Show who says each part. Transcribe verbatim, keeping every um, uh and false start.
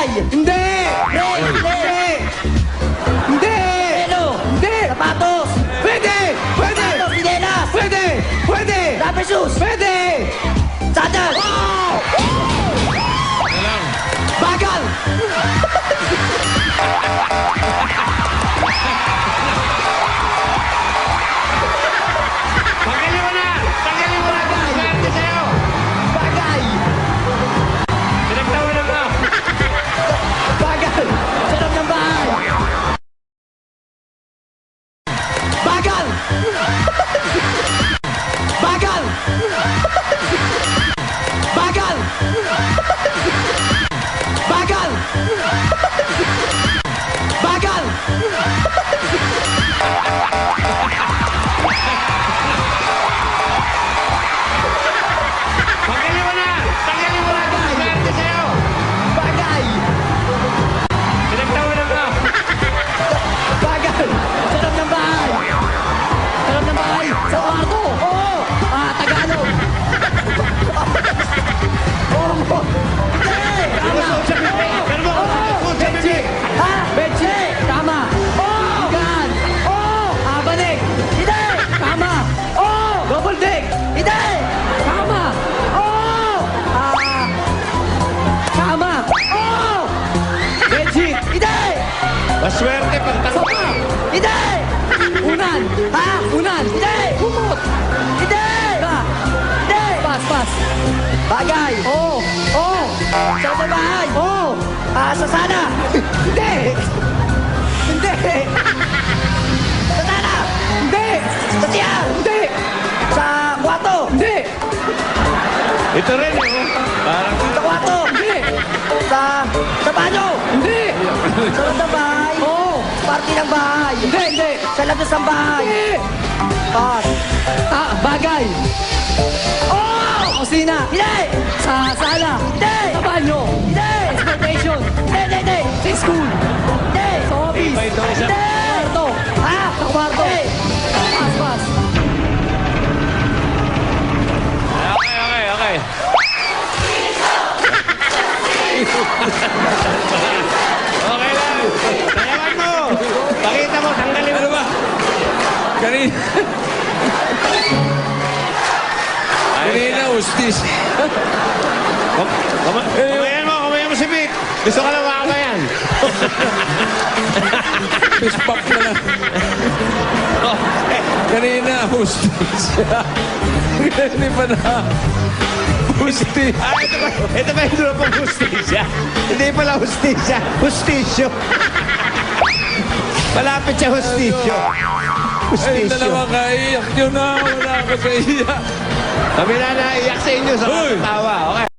Speaker 1: Hindi!
Speaker 2: Red!
Speaker 1: Hindi! Hindi!
Speaker 2: Pelo!
Speaker 1: Hindi!
Speaker 2: Sapatos!
Speaker 1: Pwede! Pwede!
Speaker 2: Sapatos! Sinelas!
Speaker 1: Pwede! Pwede!
Speaker 2: Rubber shoes!
Speaker 1: Pwede!
Speaker 2: Sandal!
Speaker 1: Bagal!
Speaker 3: Tanggalin mo na! Tanggalin mo na! Swerte sa'yo!
Speaker 1: Bagay!
Speaker 3: Pinagtawanan mo!
Speaker 1: Bagal!
Speaker 2: Sarap ng bahay!
Speaker 1: Bagal! Bagal! Bagal! Bagal! Bagal!
Speaker 3: Tanggalin mo na! Tanggalin mo na! Swerte sa'yo!
Speaker 1: Bagay!
Speaker 3: Pinagtawanan mo!
Speaker 1: Bagal!
Speaker 2: Sarap ng bahay! Sarap ng bahay! Sa kwarto! Oo! Ah, Tagalog! Oo! Hindi! Tama!
Speaker 3: Sa bibig! Pero mo! Sa bibig!
Speaker 2: Ha? Benji! Tama! Oo! Gan! Oo! Ah, balik! Hindi! Tama! Oo! Double deck! Hindi! Tama! Oo! Ah! Tama! Oo! Benji! Hindi!
Speaker 3: Maswerte pag tanong
Speaker 2: Sopa! Hindi! Unan! Ha? Unan! Hindi! Kumot! Hindi! Ba? Hindi! Pas, pas! Bagay! Oo! Oo! Sa sa bahay! Oo! Ah, sa sana!
Speaker 1: Hindi! Hindi!
Speaker 2: Sa sana!
Speaker 1: Hindi!
Speaker 2: Sa tiyan!
Speaker 1: Hindi!
Speaker 2: Sa kwarto!
Speaker 1: Hindi!
Speaker 3: Ito rin eh, oh. Parang
Speaker 2: Sa kwarto!
Speaker 1: Hindi!
Speaker 2: Sa... Sa banyo!
Speaker 1: Hindi!
Speaker 2: Sa loob ng bahay!
Speaker 1: Oo!
Speaker 2: Party ng bahay!
Speaker 1: Hindi! Hindi!
Speaker 2: Sa labas ng bahay!
Speaker 1: Hindi!
Speaker 2: Pas!
Speaker 1: Ah, bagay!
Speaker 2: Oo!
Speaker 1: Kusina!
Speaker 2: Hindi!
Speaker 1: Sa sala!
Speaker 2: Hindi!
Speaker 1: Sa banyo!
Speaker 2: Hindi!
Speaker 1: Transportation!
Speaker 2: Hindi! Hindi! Hindi!
Speaker 1: Sa school!
Speaker 2: Hindi!
Speaker 1: Sa office!
Speaker 3: Iba ito isa.
Speaker 2: Hindi!
Speaker 1: Kwarto!
Speaker 2: Ha?
Speaker 1: Sa kwarto!
Speaker 2: Hindi!
Speaker 1: Pas, pas!
Speaker 3: Okay, okay, okay. Okay lang. Sayawan mo. Pakita mo, tanggalin mo.
Speaker 4: Ano ba? Kanina. Kanina, ustis.
Speaker 3: Kuma kumayan mo, kumayan mo si Vic. Gusto ka lang makakayan.
Speaker 4: Fist bump na lang. Kanina, ustis. Hindi pa na. Ustis.
Speaker 3: Ah, ito ba, ito ba yung dulo pang hustisya? Hindi pala hustisya. Hustisyo. Malapit siya hustisyo.
Speaker 4: Ay,
Speaker 3: Hustisyo.
Speaker 4: dalawa kaiyak nyo na. Wala ako sa iya.
Speaker 3: Kami na naiyak sa inyo sa
Speaker 4: Hoy!
Speaker 3: tawa. Okay.